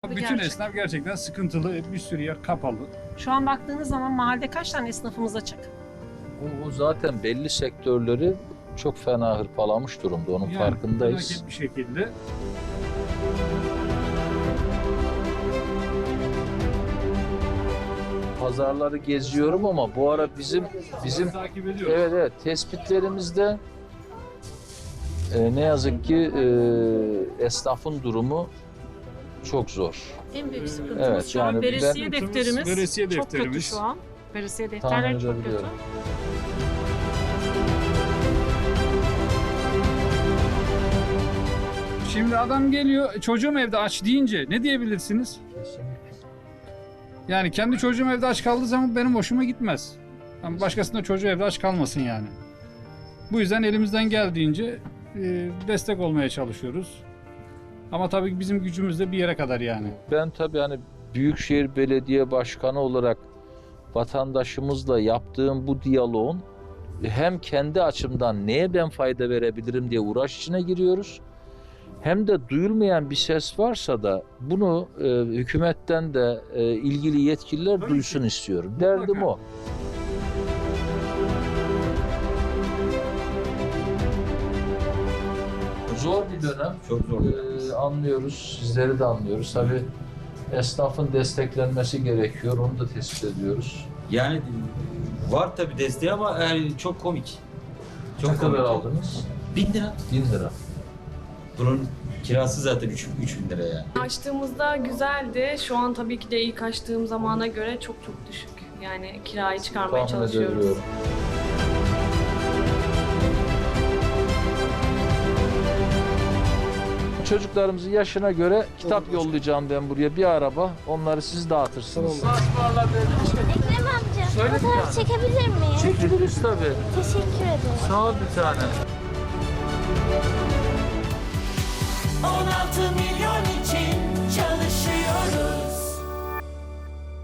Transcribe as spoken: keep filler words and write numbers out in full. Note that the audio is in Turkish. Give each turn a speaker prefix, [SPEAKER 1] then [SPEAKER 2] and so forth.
[SPEAKER 1] bir
[SPEAKER 2] bütün
[SPEAKER 1] gerçek.
[SPEAKER 2] esnaf gerçekten sıkıntılı. Bir sürü yer kapalı.
[SPEAKER 1] Şu an baktığınız zaman mahallede kaç tane esnafımız açık?
[SPEAKER 3] O, o zaten belli sektörleri çok fena hırpalamış durumda. Onun
[SPEAKER 2] Yani
[SPEAKER 3] farkındayız.
[SPEAKER 2] felaket bir şekilde.
[SPEAKER 3] Pazarları geziyorum ama bu ara bizim bizim
[SPEAKER 2] takip ediyoruz.
[SPEAKER 3] evet evet tespitlerimizde e, ne yazık ki e, esnafın durumu çok zor.
[SPEAKER 1] En büyük sıkıntımız
[SPEAKER 3] Evet,
[SPEAKER 1] şu an
[SPEAKER 3] yani
[SPEAKER 1] veresiye
[SPEAKER 2] ben-
[SPEAKER 1] defterimiz.
[SPEAKER 2] Veresiye
[SPEAKER 1] Çok kötü
[SPEAKER 2] defterimiz.
[SPEAKER 1] şu an. Veresiye
[SPEAKER 3] Tahmin
[SPEAKER 1] defterleri çok kötü.
[SPEAKER 3] edebiliyorum.
[SPEAKER 2] Şimdi adam geliyor, çocuğum evde aç deyince ne diyebilirsiniz? Yani kendi çocuğum evde aç kaldığı zaman benim hoşuma gitmez. Ama başkasında çocuğu evde aç kalmasın yani. Bu yüzden elimizden geldiğince e, destek olmaya çalışıyoruz. Ama tabii ki bizim gücümüz de bir yere kadar yani.
[SPEAKER 3] Ben tabii hani Büyükşehir Belediye Başkanı olarak vatandaşımızla yaptığım bu diyaloğun hem kendi açımdan neye ben fayda verebilirim diye uğraş içine giriyoruz. Hem de duyulmayan bir ses varsa da bunu e, hükümetten de e, ilgili yetkililer
[SPEAKER 2] Tabii
[SPEAKER 3] duysun
[SPEAKER 2] ki.
[SPEAKER 3] istiyorum. Derdim
[SPEAKER 2] Mutlaka.
[SPEAKER 3] o. Zor bir dönem.
[SPEAKER 4] Çok zor.
[SPEAKER 3] Ee, anlıyoruz, sizleri de anlıyoruz. Tabii esnafın desteklenmesi gerekiyor, onu da tespit ediyoruz.
[SPEAKER 4] Yani var tabii desteği ama yani çok komik.
[SPEAKER 3] Çok
[SPEAKER 4] Çok
[SPEAKER 3] ne kadar
[SPEAKER 4] komik.
[SPEAKER 3] aldınız?
[SPEAKER 4] Bin lira.
[SPEAKER 3] bin lira.
[SPEAKER 4] Bunun kirası zaten üç bin lira yani.
[SPEAKER 5] Açtığımızda güzeldi. Şu an tabii ki de ilk açtığım zamana göre çok çok düşük. Yani kirayı çıkarmaya
[SPEAKER 3] Tahmin
[SPEAKER 5] çalışıyoruz.
[SPEAKER 3] edebiliyorum. Çocuklarımızın yaşına göre kitap yollayacağım ben buraya, bir araba. Onları siz dağıtırsınız.
[SPEAKER 6] Ekrem amca,
[SPEAKER 3] Söyle bir
[SPEAKER 6] fotoğraf
[SPEAKER 3] tane.
[SPEAKER 6] çekebilir miyim?
[SPEAKER 3] Çekiliriz tabii.
[SPEAKER 6] Teşekkür ederim.
[SPEAKER 3] Sağ ol bir tane.
[SPEAKER 7] on altı